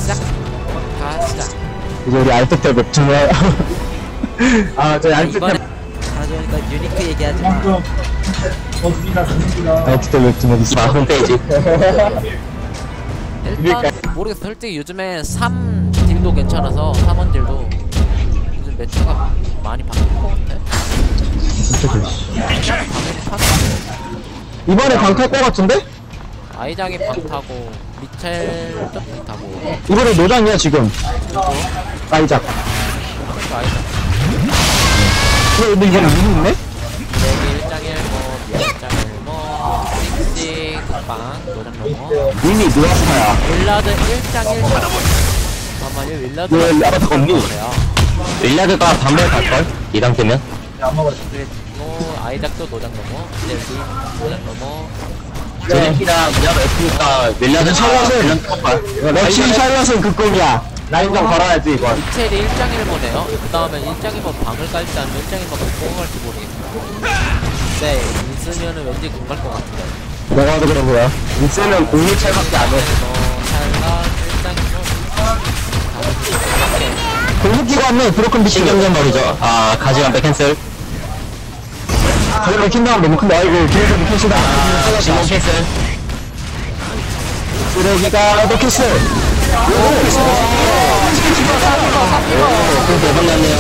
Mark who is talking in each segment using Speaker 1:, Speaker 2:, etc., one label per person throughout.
Speaker 1: 가자.
Speaker 2: 이제 우리 알트탭 웹툰을 아 저희 알트탭
Speaker 1: 가져오니까 유니크 얘기하지 마.
Speaker 2: 알트탭 웹툰 어디 있어? 홈페이지.
Speaker 1: 일단 모르겠어. 솔직히 요즘에 3 딜도 괜찮아서 3원 딜도 요즘 매체가 많이 바뀐 것 같아.
Speaker 2: 이번에 강탈 거 같은데?
Speaker 1: 아이작이 방 타고 미첼도 방 타고.
Speaker 2: 이번에 노장이야 지금. 아이작.
Speaker 1: 그러니까 아이작.
Speaker 2: 근데 이번에 누구 있네?
Speaker 1: 여기 1.1 뭐 2.1 뭐 씩씩 국방 노장 넘어.
Speaker 2: 이미 누아스타야.
Speaker 1: 윌라드 1.1 잠깐만요. 윌라드
Speaker 2: 왜 아바타 없니? 윌라드가 반발 갈걸? 이 상태면?
Speaker 1: 그리고 아이작도 노장 넘어. 이제 노장 넘어.
Speaker 2: 제네키랑 미아가 F니까 윌라드 샬럿은 렉시 샬럿은 극공이야. 라인전 걸어야지 이건.
Speaker 1: 미첼이 1.1 보네요. 그 다음에 1.1번 방을 깔지 않으면 1.1번 공을 갈지 모르겠어. 네, 있으면은 왠지 공 갈 것 같은데.
Speaker 2: 내가 봐도 그런 거야. 인세는 공유 찰밖에 안 해. 공격기가 안 해. 브로큰 비치 경전 버리죠. 아, 가지만 캔슬. 가지만 킨다면 너무 큰데. 아이고, 기회전 캔슬다. 지금 캔슬. 쓰레기가 너 캔슬. 대박 났네요.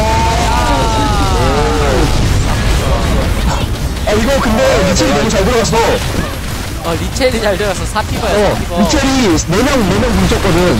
Speaker 2: 아, 이거 근데 리첼이 너무 잘 들어갔어.
Speaker 1: 리첼이 잘 들어갔어. 4피버야, 4피버.
Speaker 2: 리첼이 4명 뭉쳤거든.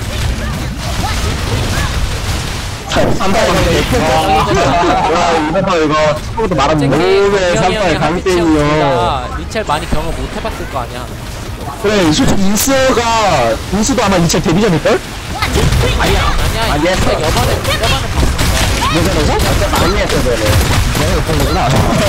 Speaker 2: 이거 처음부터 말하면 몸에 3발 강땡이요.
Speaker 1: 리첼 많이 경험 못 해봤을 거 아니야.
Speaker 2: 그래, 솔직히 인스도 아마 리첼 데뷔전일걸?
Speaker 1: 아니야. 리첼 여반에 봤어.
Speaker 2: 예전에서? 많이 했어, 내가 못한 거구나.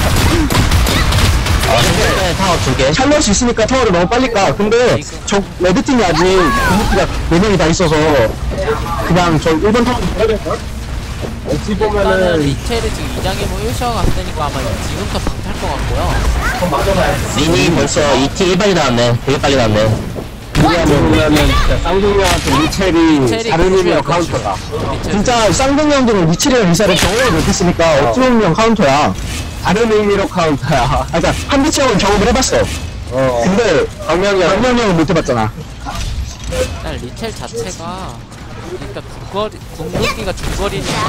Speaker 2: 타워 2개. 샬럿이 있으니까 타워를 너무 빨리 까. 근데 저 레드팀이 아직 공격기가 4명이 다 있어서 그냥 저 1번 타워 해야 될걸? 어찌
Speaker 1: 일단은 리첼이 지금 2장에 뭐 1셔가 갔으니까 아마 지금부터 방탈 것 같고요.
Speaker 2: 리니 벌써 2T 1발이 나왔네. 되게 빨리 나왔네. 그러면은 진짜 쌍둥이한테 리첼이 다른 의미의 카운터다. 진짜 쌍둥이형들은 리첼이랑 리사를 경험을 못했으니까 어찌 보면 카운터야. 다른 의미로 카운터야. 그러니까 한비치 형은 경험을 해봤어. 근데 강명이 형은 못해봤잖아.
Speaker 1: 일단 리첼 자체가 일단 궁극기가 중거리니까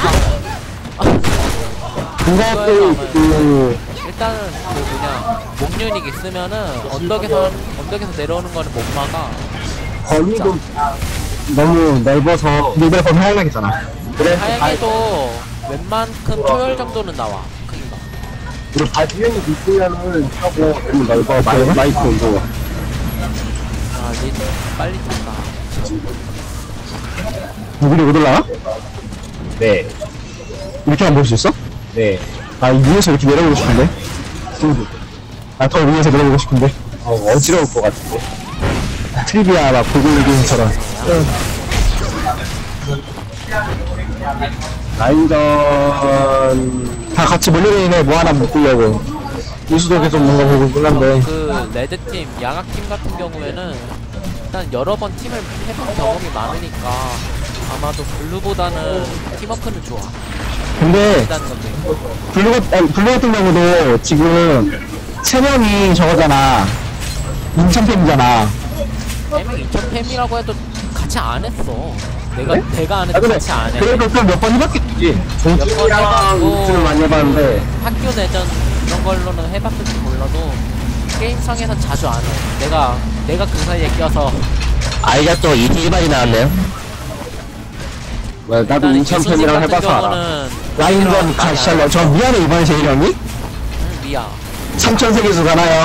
Speaker 2: 그것도
Speaker 1: 일단은 목유닉 있으면은 언덕에서 내려오는 거는 못 막아.
Speaker 2: 거리도 너무 넓어서 리벨 범위 하향하겠잖아. 그래.
Speaker 1: 하향해도 웬만큼 초열 정도는 나와. 크기가.
Speaker 2: 그리고 바지형이 있으면은 하고 너무 넓어. 마이크 온도.
Speaker 1: 아, 리첼 빨리 탔다.
Speaker 2: 누구리 못 올라와? 네. 이렇게만 볼 수 있어? 네. 아, 이 위에서 이렇게 내려보고 싶은데? 더 위에서 내려보고 싶은데? 어지러울 것 같은데. 트리비아 막 고글리기처럼. 라인전 다 같이 몰려다니네. 뭐 하나 묶으려고. 이수도 계속 뭔가 보고 있긴 한데.
Speaker 1: 그 레드팀, 양악팀 같은 경우에는 일단 여러 번 팀을 해본 경험이 많으니까 아마도 블루보다는 팀워크는 좋아.
Speaker 2: 근데 블루 같은 경우도 지금 3명이 저거잖아. 인천팸이잖아.
Speaker 1: 3명 인천팸이라고 해도 같이 안 했어. 내가 안 해도 같이 안 해.
Speaker 2: 그래도 좀 몇 번 해봤겠지.
Speaker 1: 종치랑
Speaker 2: 우주를 많이 해봤는데
Speaker 1: 학교 내전 이런 걸로는 해봤을지 몰라도 게임상에선 자주 안 해. 내가 그 사이에 껴서.
Speaker 2: 아이작도 2T 1발이 나왔네요. 나도 인천팸이랑 해봐서 알아. 라인전 가시샬러. 저 미안해 이번에 제일 형이?
Speaker 1: 미야.
Speaker 2: 3000세계수 가나요?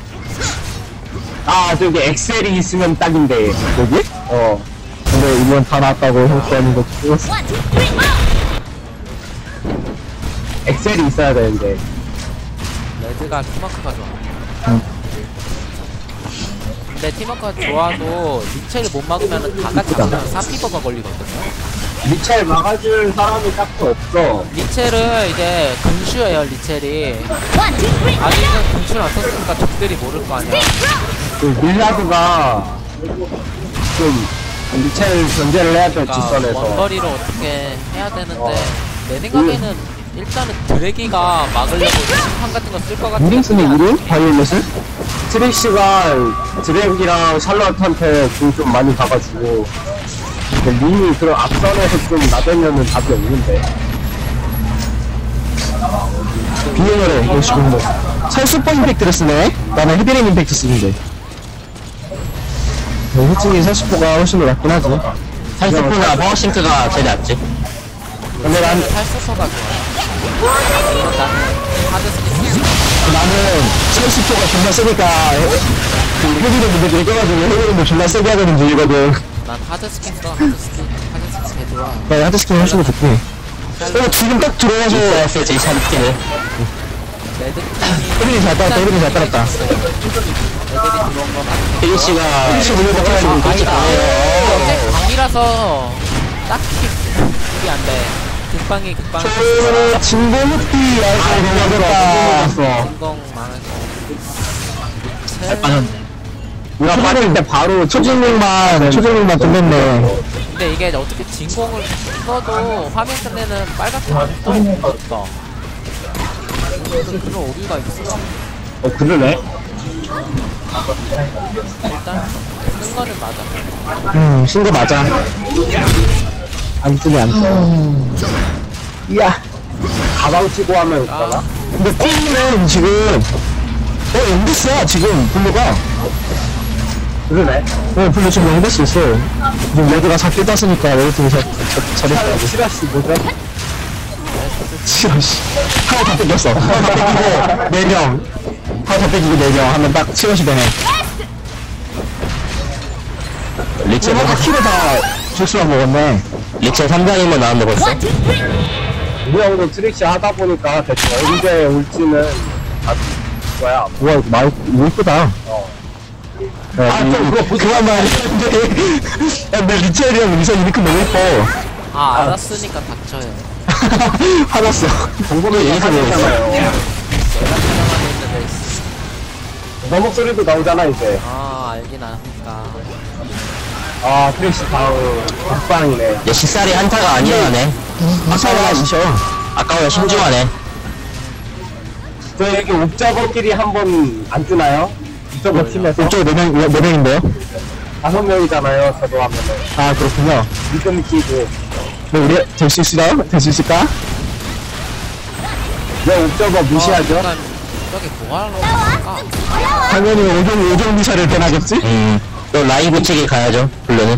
Speaker 2: 아 저기 엑셀이 있으면 딱인데 여기? 근데 이번 다 나왔다고 했다는 거 찍었어. 엑셀이 있어야 되는데.
Speaker 1: 레드가 팀워크가 좋아. 근데 팀워크가 좋아도 리첼을 못 막으면 다 같이 막으면 3피버가 걸리거든요.
Speaker 2: 리첼 막아줄 사람이 딱히 없어.
Speaker 1: 리첼은 이제 근슈예요. 리첼이 아직은 근슈를 안 썼으니까 적들이 모를 거 아니야.
Speaker 2: 그 밀라드가 좀 미첼 견제를 해야 돼,
Speaker 1: 그러니까
Speaker 2: 뒷선에서.
Speaker 1: 원거리로 어떻게 해야 되는데 내 생각에는 일단은 드래기가 막으려고 심판 같은 거 쓸 것 같은
Speaker 2: 우린 쓰네, 우린? 바이올렛을? 트릭시가 드랙이랑 샬럿한테 좀 많이 가가지고 근데 린이 그런 앞선에서 좀 나대면은 답이 없는데 비행을 해, 지금 뭐 살수퍼 임팩트를 쓰네? 나는 헤비레인 임팩트 쓰는데 솔직히 살수퍼가 훨씬 더 낫긴 하지 살수퍼나 파워싱크가 제일 낫지 근데 난
Speaker 1: 탈수서가 좋아. 물론 나는 하드 스킨
Speaker 2: 나는 살수퍼가 존나 세니까 그 헤비레인 임팩트를 껴가지고 헤비레인도 존나 세게 하거든 들리거든
Speaker 1: 난 하드 스킨 써. 하드 스킨 개 좋아.
Speaker 2: 나 하드스킨 훨씬 더 좋긴 해. 지금 딱 들어가서 왔어요, 제 샤드스킨을.
Speaker 1: 레드
Speaker 2: 혜빈이 잘 따랐다, 혜빈이 잘 따랐다.
Speaker 1: 애들이 들어온 건 같아.
Speaker 2: 혜빈씨 물려봐가지고 그렇지
Speaker 1: 어제 강이라서 딱히 그게 안 돼. 극방이
Speaker 2: 진공흡기 알고 넘어갔다.
Speaker 1: 진공 많아서.
Speaker 2: 잘 빠졌네. 우리가 빠질 때 바로 초진공만 끝냈네.
Speaker 1: 근데 이게 어떻게 진공을 써도 화면 끝내는 빨갛게 안 떠. 그런 오류가 있어.
Speaker 2: 그러네.
Speaker 1: 일단 쓴 거는 맞아.
Speaker 2: 신거 맞아. 안 뜨네, 안 떠. 이야. 가방 치고 하면
Speaker 1: 아,
Speaker 2: 근데 꽁이는 지금 연기스야 지금 블루가 그러네 블루 지금 연기스 있어 지금 레드가 잡기 땄으니까 레드팀이 잘했다고 시라씨 뭐죠? 시라씨 하나 다 뺏겼어 하나 다 뺏기고 4명 하나 다 뺏기고 4명 하면 딱 시라씨 되네 리첼 다 키를 다 실수만 먹었네 리첼 3장이면 나왔는데 벌써? 우리 형도 트릭시 하다 보니까 대충 언제 올지는 아 뭐야 우와 이거 이쁘다 그거 그만 말해 근데 리첼이 형 미선 이렇게 너무 예뻐
Speaker 1: 알았으니까 닥쳐요.
Speaker 2: 화났어 정보를 얘기해서 그랬잖아요
Speaker 1: 내가 촬영하고 있는데
Speaker 2: 너 목소리도 나오잖아 이제
Speaker 1: 알긴 아니까.
Speaker 2: 트릭시 다음 국방이네 야 식살이 한타가 아니야네 아까워야 신중하네 저 여기 옥저버끼리 한번 안 뜨나요? 옥저버 팀에서 옥저버 4명인데요? 5명이잖아요 저도 하면은 그렇군요 믿음 끼고 우리 될 수 있을까요? 될 수 있을까? 왜 옥저버 무시하죠?
Speaker 1: 저기 뭐하러 갈까?
Speaker 2: 당연히 오종 미사를 변하겠지? 또 라이브 측에 가야죠 블루는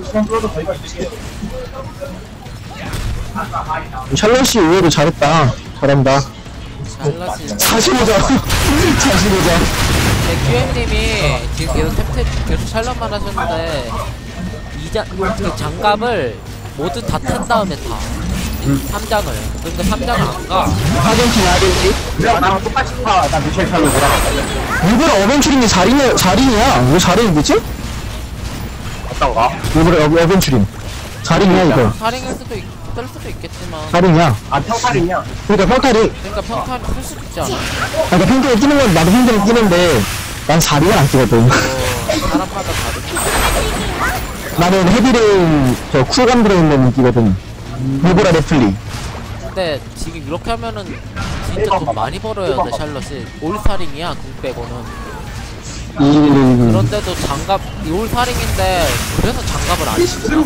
Speaker 2: 샬롯이 의외로 잘했다 잘한다
Speaker 1: 잘라지.
Speaker 2: 45점 45점
Speaker 1: QM님이 지금 계속 샬럿만 하셨는데 그 장갑을 모두 다 튼 다음에 타. 3장을. 그러니까 3장을 안 가.
Speaker 2: 아르헨티나 우리가 나랑 똑같이 나 미셸 샬롯 돌아갔거든 일부러 어벤츄린이 4링이야 왜 4링이지? 어떤가? 일부러 어벤츄린 4링이야 이거
Speaker 1: 4링일 수도 뜰 수도 있겠지만.
Speaker 2: 4링이야 평탈이냐? 그러니까 평탈이
Speaker 1: 그러니까 평타를 쓸 수도 있지 않아?
Speaker 2: 그러니까 평탈에 끼는 건 나도 평탈에 끼는데 난 4링을 안 끼거든
Speaker 1: 사람마다 다르지.
Speaker 2: 나는 헤비레인 쿨감 들어있는 끼거든 무브라 레플리
Speaker 1: 근데 지금 이렇게 하면은 진짜 돈 많이 벌어야 돼 샬럿이. 올사링이야 궁 빼고는. 그런데도 장갑 올사링인데 그래서 장갑을 안 치구나.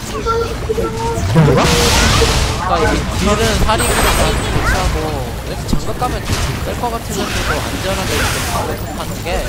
Speaker 2: 그런가?
Speaker 1: 그러니까 이 딜은 사링으로 대체하고 이렇게 장갑 가면 뜰것 같으면서도 안전하게 이렇게 하는 게.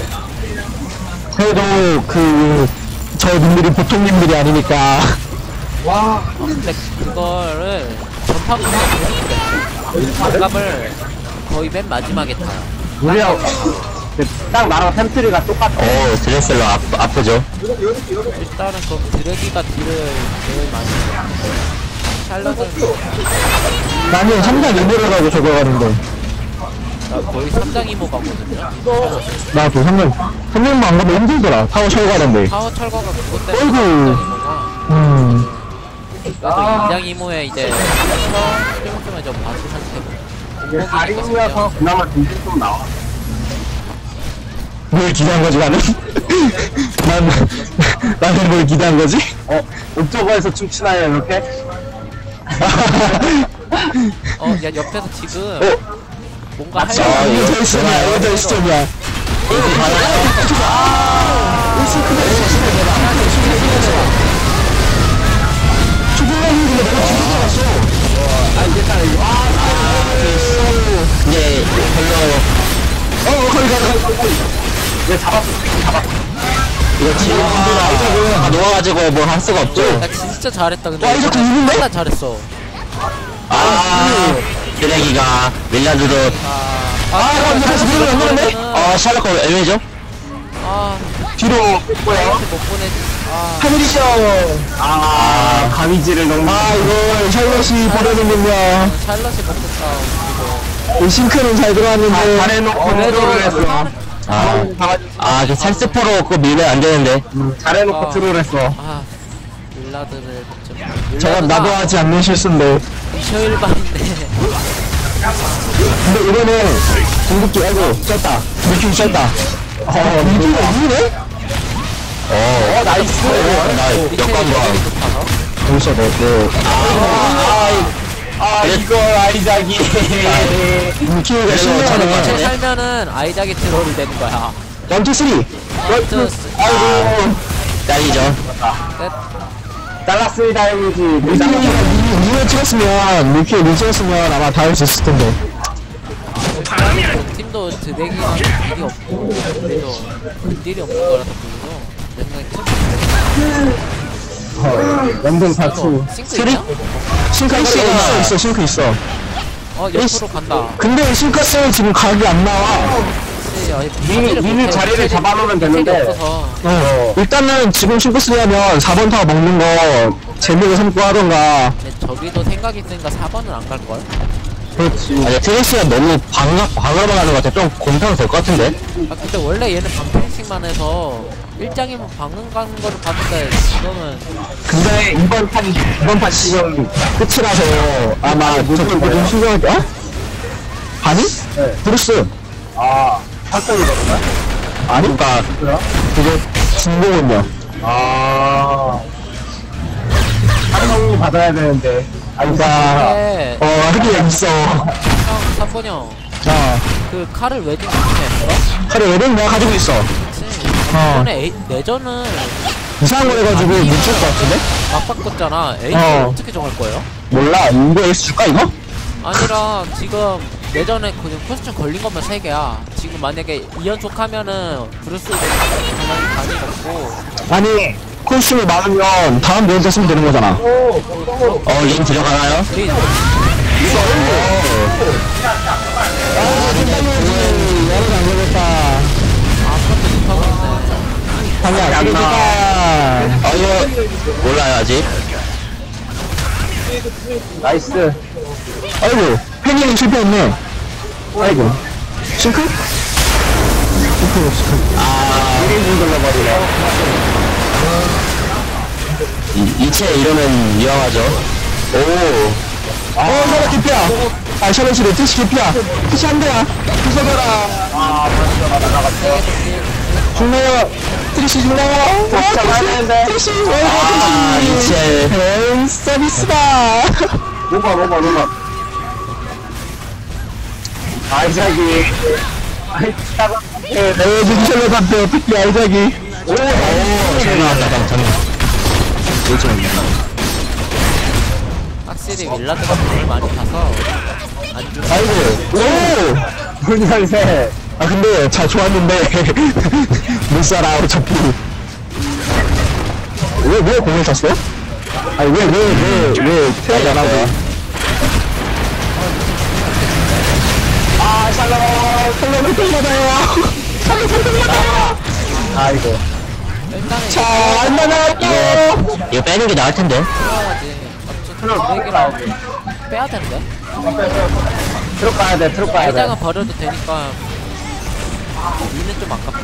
Speaker 2: 그래도 저 님들이 보통 님들이 아니니까
Speaker 1: 근데 그거를 전파구가 계속 장갑을 거의 맨 마지막에 타요.
Speaker 2: 우리랑 딱 나랑 템트리가 똑같아 드레슬러 아프죠
Speaker 1: 일단은 그럼 드래기가 딜을 제일 많이 해요. 샬럿은
Speaker 2: 나는 3장 이모를 가고 저거 가는데
Speaker 1: 나 거의 3장 이모 가거든요.
Speaker 2: 나도 3장만 안 가면 힘들더라 타워 철거하는데
Speaker 1: 파워 철거가 그것 때문에
Speaker 2: 어이구.
Speaker 1: 3장 이모가. 그래서 2장 이모에 이제 스프링스면 좀 바스 상태고
Speaker 2: 다리면서 그나마 딜이 좀 나와 뭘 기대한 거지 나는? 나는 뭘 기대한 거지?
Speaker 3: 옥저버에서 춤추나요, 이렇게?
Speaker 1: 야 옆에서 지금 뭔가
Speaker 2: 아, 이거 저 시점이야, 이거 저 시점이야. 근데 별로
Speaker 3: 얘 잡았어.
Speaker 2: 이거 지금 다 놓아가지고 뭐 할 수가 없죠.
Speaker 1: 야 진짜 잘했다 근데
Speaker 2: 와, 이거 좀 이긴데?
Speaker 1: 진짜 잘했어.
Speaker 2: 쓰레기가 밀라드로
Speaker 1: 아
Speaker 2: 다시 뒤로 안 되는데? 샬럿 거 애매죠?
Speaker 1: 아
Speaker 2: 뒤로
Speaker 3: 뭐야?
Speaker 1: 못 보내지. 아
Speaker 2: 하늘이죠.
Speaker 3: 가위질을 너무.
Speaker 2: 이거 샬럿이 버려놓는군요.
Speaker 1: 샬럿이 먹겠다.
Speaker 2: 이 싱크는 잘 들어왔는데.
Speaker 3: 잘해놓고
Speaker 1: 그래도
Speaker 3: 트롤을 했어.
Speaker 2: 그 살스포로 그거 밀면 안 되는데.
Speaker 3: 잘해놓고
Speaker 1: 아.
Speaker 3: 트롤 했어.
Speaker 1: 아 밀라드를 좀.
Speaker 2: 저건 나도 하지 않는 실수인데.
Speaker 1: 미셔일반인데.
Speaker 2: 근데 이거는 궁극기, 아이고, 쪘다. 느낌 쪘다. 느낌이 이기네? 나이스. 나 역광광. 벌써
Speaker 3: 이거 아이작이.
Speaker 2: 느낌이가
Speaker 1: 쟤
Speaker 2: 신기하네.
Speaker 1: 살면은 아이작이 트롤이 되는 거야.
Speaker 2: 1, 2, 3. 아이고. 딸이죠.
Speaker 3: 잘랐습니다, 형이지.
Speaker 2: 니가 찍었으면, 니가 찍었으면 아마 다 할 수 있을 텐데.
Speaker 1: 팀도 드래기랑 딜이 없고 그래도 딜이 없는 거라서 보이고 내 생각에
Speaker 3: 연동 사투.
Speaker 1: 싱크 있냐?
Speaker 2: 싱크 있어, 싱크 있어.
Speaker 1: 옆으로 간다.
Speaker 2: 근데 싱크스 지금 각이 안 나와.
Speaker 3: 미리 자리를 잡아놓으면 되는데.
Speaker 1: 없어서.
Speaker 2: 일단은 지금 싱크스 하면 4번 타워 먹는 거 재미를 삼고 하던가.
Speaker 1: 근데 저기도 생각 있으니까 4번은 안 갈걸?
Speaker 2: 그렇지. 아니, 트레이스가 너무 방어만 하는 것 같아. 좀 곰탕 될 것 같은데?
Speaker 1: 아 근데 원래 얘는 방패식만 해서 1장이면 방금 가는 거를 봤는데 지금은
Speaker 3: 근데 이번 판 지금
Speaker 2: 끝이라서 아마 저쪽도 좀 신경할 게, 아니?
Speaker 3: 네.
Speaker 2: 브루스.
Speaker 3: 활동이거든요.
Speaker 2: 아니? 그니까, 그게 진공은요. 활동이 받아야 되는데. 그니까,
Speaker 1: 근데
Speaker 2: 하기가 있어.
Speaker 1: 형 3번 형 그 칼을 웨딩 어떻게 했어?
Speaker 2: 그래, 외령 내가 가지고 있어.
Speaker 1: 그치 이번에 내전은
Speaker 2: 이상한 거 해가지고 뭉칠 것 같은데?
Speaker 1: 막 바꿨잖아. A를 어떻게 정할 거예요?
Speaker 2: 몰라, 이거 에이스 줄까, 이거?
Speaker 1: 아니라 지금 예전에 그냥 퀘스천 걸린 것만 3개야. 지금 만약에 2연속 하면은 브루스 가만히 간이 없고
Speaker 2: 아니, 콜슘이 많으면 다음 면 됐으면 되는 거잖아. 링 들어가나요?
Speaker 1: 우리
Speaker 2: 여러분 안 되겠다.
Speaker 1: 아무것도 못하고 있네.
Speaker 2: 방금 안 되겠다. 이거 몰라요, 아직.
Speaker 3: 나이스.
Speaker 2: 아이고, 팬이 실패했네. 아이고. 싱크? 이체 이러면 위험하죠. 샤럿 개피야. 샤럿이 레트시 개피야. 트시 한 대야. 부숴봐라. 죽나요? 트리시 죽나요?
Speaker 3: 잡아야 되는데.
Speaker 2: 트리시, 이체. 팬 서비스다.
Speaker 3: 뭐가. 아이작이.
Speaker 2: 눈썰로 봤대. 특히 아이작이. 잘 나왔다,
Speaker 1: 확실히 윌라드가 돈을 많이 타서 안 좋아.
Speaker 2: 아이고.
Speaker 3: 분열세.
Speaker 2: 근데 잘 좋았는데 못 살아 어차피. 왜 공을 쳤어? 아니 왜 태양이 안 하고? 샬롬을 또 받아요. 샬롬을 받아요.
Speaker 3: 아이고.
Speaker 1: 일단은
Speaker 2: 자, 안 나갈게요. 이거 빼는 게 나을 텐데.
Speaker 1: 빼야지. 어차피 드래기랑 빼야 되는데.
Speaker 3: 트럭 가야 돼.
Speaker 1: 아이작은 버려도 되니까 니는 좀 아깝다.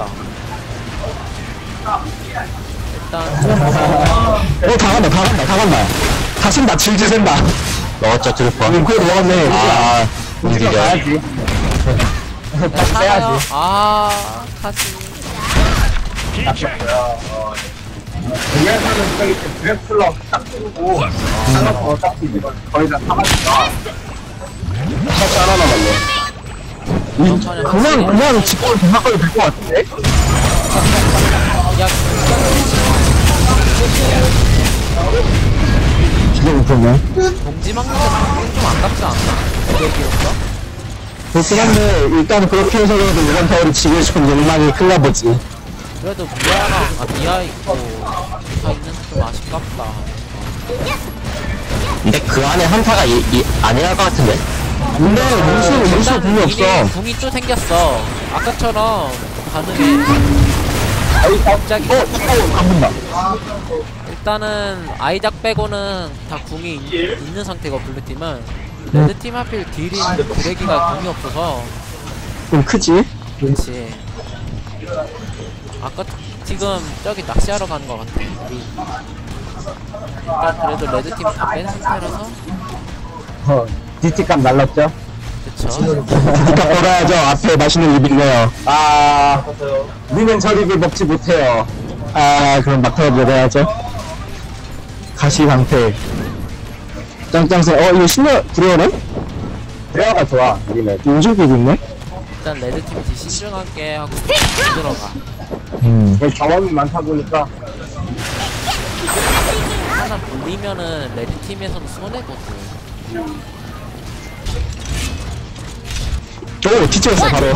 Speaker 1: 일단
Speaker 2: 다 간다. 다 쓴다, 질질 센다. 넣었죠, 드루퍼. 그래, 넣었네. 움직여.
Speaker 3: 가야지.
Speaker 1: 살아요. 카지.
Speaker 3: 위에서는 저기 드래플러 딱 쓰고 살라서 어차피 이거 거의 다 사가니까 샷 하나 남았네. 그냥 직구를 생각하게 될 것 같은데?
Speaker 1: 야,
Speaker 2: 진짜 못했네.
Speaker 1: 봉지 막는 게 방금 좀 아깝지 않나? 얘기였어?
Speaker 2: 그렇긴 한데, 일단 그렇게 해서라도 이번 타워를 지고 싶은 욕망이 큰가 보지.
Speaker 1: 그래도 미아 있고 다 있는 좀 아쉽다.
Speaker 2: 근데 그 안에 한타가 아니랄 것 같은데? 근데 몬스터 궁이 없어.
Speaker 1: 궁이 또 생겼어. 아까처럼 가능해. 갑자기
Speaker 2: 간다.
Speaker 1: 일단은 아이작 빼고는 다 궁이 있는 상태고 블루팀은 레드팀 하필 딜인 드래기가 궁이 없어서
Speaker 2: 좀 크지?
Speaker 1: 그렇지. 아까 지금 저기 낚시하러 가는 것 같아. 우리 일단 그래도 레드팀 다 뺀 상태라서
Speaker 3: DT값 날랐죠?
Speaker 1: 그쵸.
Speaker 2: 부탁 걸어야죠. 앞에 맛있는 입이 있네요.
Speaker 3: 아, 우리는 저리를 먹지 못해요.
Speaker 2: 아, 그럼 막타로 먹어야죠. 가시 방패. 짱짱새. 이거 신뢰 들어오네?
Speaker 3: 드레어가 좋아, 우리는.
Speaker 2: 요즘 있네?
Speaker 1: 일단 레드팀 딜 신중하게 하고 들어가.
Speaker 3: 경험이 많다 보니까.
Speaker 1: 하나 물리면은 레드팀에서는 손해거든.
Speaker 2: 오, 뒤집었어, 바로.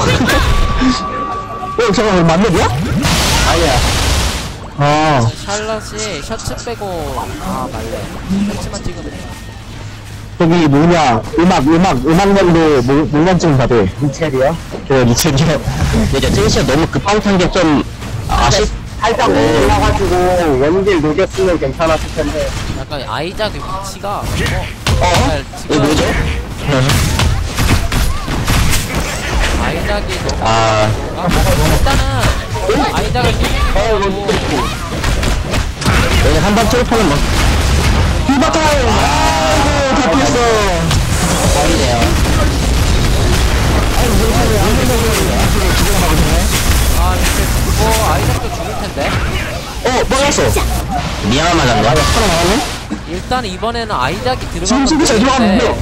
Speaker 2: 잠깐만, 만렙이야?
Speaker 3: 아니야.
Speaker 2: 아,
Speaker 1: 샬럿이 셔츠 빼고 말래. 셔츠만 찍으면 돼.
Speaker 2: 저기 뭐냐, 음악연도 물만증 받을.
Speaker 3: 미첼이요?
Speaker 2: 리첼이요. 이제 제이씨가 너무 급하게 탄게 좀,
Speaker 3: 살짝 올라가지고 원딜 녹였으면 괜찮았을 텐데.
Speaker 1: 약간 아이작의 위치가
Speaker 2: 이거 뭐죠?
Speaker 1: 아이작이 너무 일단은 아이작을 뛰고
Speaker 2: 여기 한방 트로퍼는 막, 휘바타임! 아이고, 다 피했어. 아니네요.
Speaker 1: 이제 그거 아이작도 죽을 텐데.
Speaker 2: 뻥했어. 미안한 맞았네. 하나 맞았네?
Speaker 1: 일단 이번에는 아이작이
Speaker 2: 지금
Speaker 1: 들어가면
Speaker 2: 수비 잘 들어갔는데요?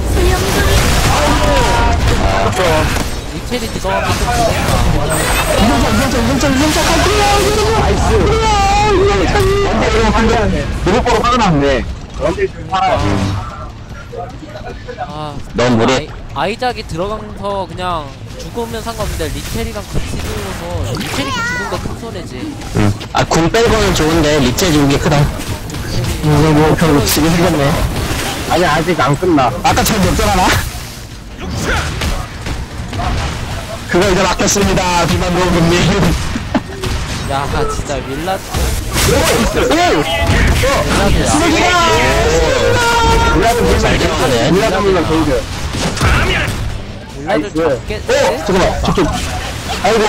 Speaker 1: 리첼이 들어가면 좀 그런가.
Speaker 3: 나이스. 누구 보러 화가 났네. 원딜 좀 살아야지.
Speaker 2: 너무 무리.
Speaker 1: 아이작이 들어가면서 그냥 죽으면 상관없는데 리첼이랑 같이 죽어서 리첼이 죽은 거 큰 손해지.
Speaker 2: 궁 빼고는 좋은데, 리체 죽은 게 크다. 뭐, 결국 지금 생겼네.
Speaker 3: 아니, 아직 안 끝나.
Speaker 2: 아까처럼 역전하나? 그거 이제 맡겼습니다, 비만도금님.
Speaker 1: 야 진짜 밀라드
Speaker 2: 잘 들어가네.
Speaker 3: 밀라드밀라 게이드.
Speaker 1: 밀라드 잡겠지?
Speaker 2: 잠깐만, 저쪽. 아이고.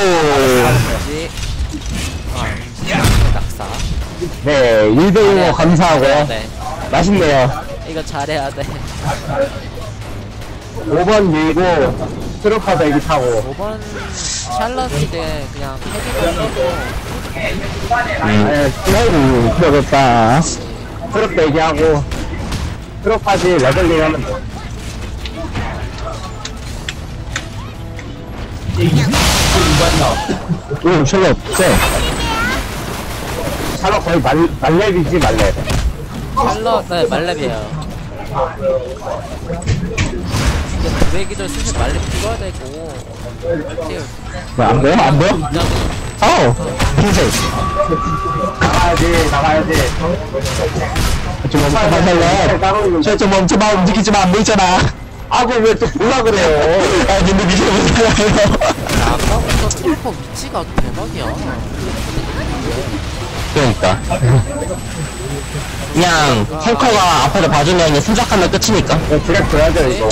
Speaker 1: 낙사.
Speaker 3: 네, 1대1로 감사하고요.
Speaker 1: 네.
Speaker 3: 맛있네요.
Speaker 1: 이거 잘해야 돼.
Speaker 3: 5번 밀고, 트로파 대기 타고.
Speaker 1: 5번 샬럿인데 그냥 헤비만 써도
Speaker 3: 아이고, 들어갔다. 트롭 대기하고, 트롭까지 레벨링 하면 돼.
Speaker 2: 오, 샬롯, 쎄.
Speaker 3: 샬롯 거의 말렙이지, 말렙.
Speaker 1: 샬럿 네 말렙이에요. 근데 브레이기도 슬슬 말렙 찍어야 되고 이렇게
Speaker 2: 안 보여? 안 보여?
Speaker 1: 그냥
Speaker 2: 흰색.
Speaker 3: 나가야지.
Speaker 2: 좀 멈춰봐, 샬롯. 좀 멈춰봐, 움직이지 마, 안 보이잖아.
Speaker 3: 아고, 왜 또 몰라 그래요?
Speaker 2: 근데 미쳐보잖아요.
Speaker 1: 아까부터 트리퍼 위치가 대박이야.
Speaker 2: 그러니까. 그냥, 탱커가 앞에서 봐주면 그냥 순삭하면 끝이니까.
Speaker 3: 드랙 줘야죠, 이거.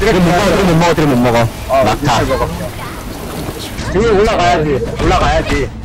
Speaker 2: 이건 못 먹어.
Speaker 3: 아,
Speaker 2: 막타.
Speaker 3: 지금 올라가야지.